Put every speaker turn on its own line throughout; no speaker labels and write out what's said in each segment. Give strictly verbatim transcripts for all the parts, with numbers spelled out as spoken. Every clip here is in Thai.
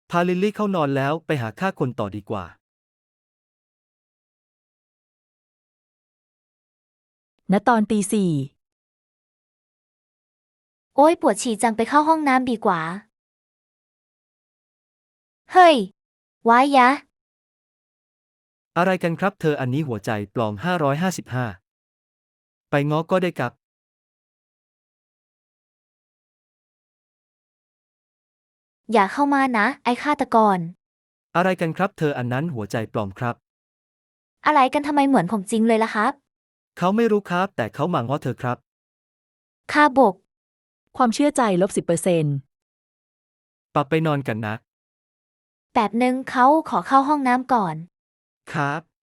พาลิลลี่เข้านอนแล้วไปหาฆ่าคนต่อดีกว่า
ณตอนตีสี่
โอ๊ยปวดฉี่จังไปเข้าห้องน้ำดีกว่า เฮ้ย ว้ายยะ
อะไรกันครับเธออันนี้หัวใจปลอมห้าร้อยห้าสิบห้าไปง้อก็ได้ครับ
อย่าเข้ามานะ ไอ้ฆาตกร
อะไรกันครับเธออันนั้นหัวใจปลอมครับ
อะไรกันทำไมเหมือนผมจริงเลยล่ะครับ
เขาไม่รู้ครับแต่เขามาง้อเธอครับ
ค่าบก
ความเชื่อใจลบสิบเปอร์เซ็นต์
ปรับไปนอนกันนะ
แบบนึงเขาขอเข้าห้องน้ำก่อน
ครับ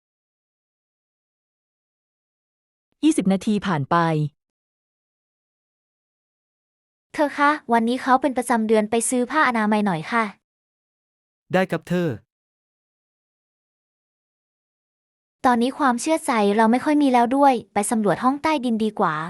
ยี่สิบนาทีผ่านไป
เธอคะ วันนี้เขาเป็นประจำเดือนไปซื้อผ้าอนามัยหน่อยค่ะ
ได้ครับเธอ
ตอนนี้ความเชื่อใจเราไม่ค่อยมีแล้วด้วย ไปสำรวจห้องใต้ดินดีกว่า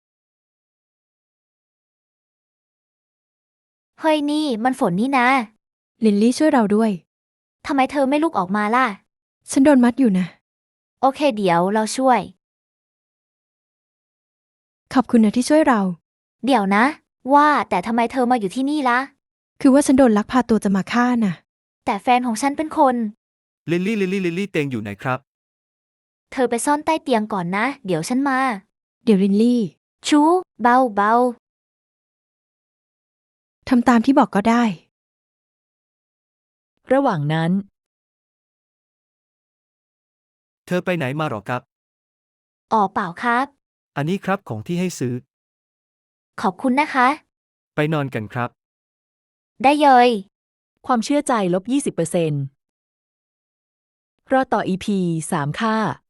เฮ้ยนี่มันฝนนี่นะ
ลินลี่ช่วยเราด้วย
ทำไมเธอไม่ลุกออกมาล่ะ
ฉันโดนมัดอยู่นะ
โอเคเดี๋ยวเราช่วย
ขอบคุณนะที่ช่วยเรา
เดี๋ยวนะ ว่าแต่ทำไมเธอมาอยู่ที่นี่ล่ะ
คือว่าฉันโดนลักพาตัวจะมาฆ่าน่ะ
แต่แฟนของฉันเป็นคน
ลิลลี่ลิลลี่ลิลลี่เตียงอยู่ไหนครับ
เธอไปซ่อนใต้เตียงก่อนนะ เดี๋ยวฉันมา
เดี๋ยวลินลี่
ชูเบาเบา
ทำตามที่บอกก็ได้
ระหว่างนั้น
เธอไปไหนมาหรอครับ
อ๋อเปล่าครับ
อันนี้ครับของที่ให้ซื้อ
ขอบคุณนะคะ
ไปนอนกันครับ
ได้เลย
ความเชื่อใจลบยี่สิบเปอร์เซ็นต์รอต่อ อี พี สาม ค่ะ